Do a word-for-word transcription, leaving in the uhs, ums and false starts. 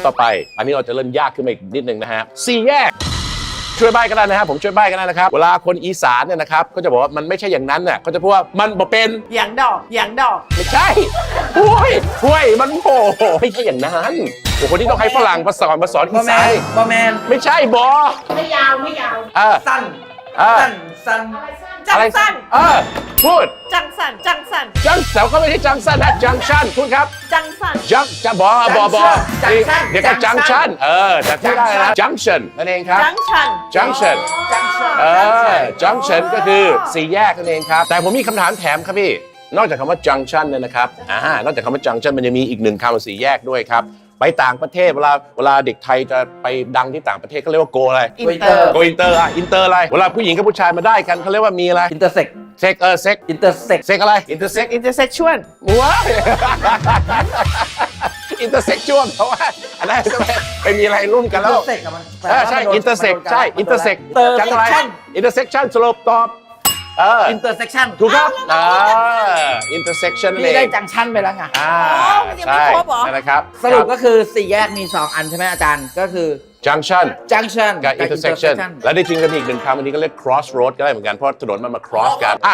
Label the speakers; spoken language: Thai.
Speaker 1: ำต่อไปอันนี้เราจะเริ่มยากขึ้นมาอีกนิดนึงนะฮะสี่แยกช่วยใบ้กันได้นะครับผมช่วยใบ้กันได้นะครับเวลาคนอีสานเนี่ยนะครับก็จะบอกว่ามันไม่ใช่อย่างนั้นน่ะเขาจะพูดว่ามันบ่เป็น
Speaker 2: อย่างดอกอย่างดอก
Speaker 1: ไม่ใช่ห้วยห้วยมันโผล่ไม่ใช่อย่างนั้นโอ้คนที่ต้องให้ฝรั่งมาสอนมาสอนอี
Speaker 2: บอแม
Speaker 1: สาน
Speaker 2: นบอแมน
Speaker 1: ไม่ใช่บอ
Speaker 3: ไม่ยาวไม่ยาว
Speaker 1: เออ
Speaker 2: สั้น
Speaker 1: เออ
Speaker 2: สั้นสั้น
Speaker 3: จั
Speaker 1: อะ
Speaker 3: ง
Speaker 1: ไร
Speaker 3: สั้น
Speaker 1: เออพูด
Speaker 3: จังสั้นจังสั้น
Speaker 1: จังแต่ก็ไม่ใช่จังสั้นนะจังชันพูดครับ
Speaker 3: จังสั้น
Speaker 1: จังจะบอบอบอเดี๋ยวก็จังชันเออแต่พูดได้นะจังชันนั่นเองครับ
Speaker 3: จังชัน
Speaker 1: จังชัน
Speaker 2: จังชัน
Speaker 1: เออจังชันก็คือสี่แยกนั่นเองครับแต่ผมมีคำถามแถมครับพี่นอกจากคำว่าจังชันเนี่ยนะครับอ่านอกจากคำว่าจังชันมันจะมีอีกหนึ่งคำว่าสี่แยกด้วยครับไปต่างประเทศเวลาเวลาเด็กไทยจะไปดังที่ต่างประเทศเขาเรียกว่าโกอะไร
Speaker 2: อินเตอร์
Speaker 1: โกอินเตอร์อะอินเตอร์อะไรเวลาผู้หญิงกับผู้ชายมาได้กันเขาเรียกว่ามีอะไร
Speaker 2: อินเตอร์เซ็ก
Speaker 1: เซ็กเออเซ็ก
Speaker 2: อินเตอร์เซ็ก
Speaker 1: เซ็กอะไรอินเตอร์เซ็ก
Speaker 3: อินเตอร์เซ็กชวล
Speaker 1: ว้ายอินเตอร์เซ็กชวลเพราะว่าอันนั้นจะไปมีอะไรร่วมกัน
Speaker 2: อิน
Speaker 1: แล้
Speaker 2: เตอ
Speaker 1: ว
Speaker 2: ร์เซ็กมัน
Speaker 1: เออใช่อินเตอร์เซ็กใช่อินเตอร์เซ็กจังอะไรอินเตอร์เซ็กชันสรุปตอบเออ
Speaker 2: อินเตอร์เซ็กชัน
Speaker 1: ถูกครับอ่าอินเตอร์เซ็กชัน
Speaker 2: พี่ได้จังชันไปแล้วไง
Speaker 1: อ่า
Speaker 3: มันยังไม่
Speaker 1: ใช่
Speaker 3: ครบเหรอ
Speaker 1: นั่นนะครับ
Speaker 2: สรุปก็คือสี่แยกมีสองอันใช่ไหมอาจารย์ก็คือ
Speaker 1: จังชัน
Speaker 2: จังชัน
Speaker 1: กับ intersection และได้จริงก็มีอีกหนึ่งคำอันนี้ก็เรียก crossroad ก็ได้เหมือนกันเพราะถนนมันมา cross กัน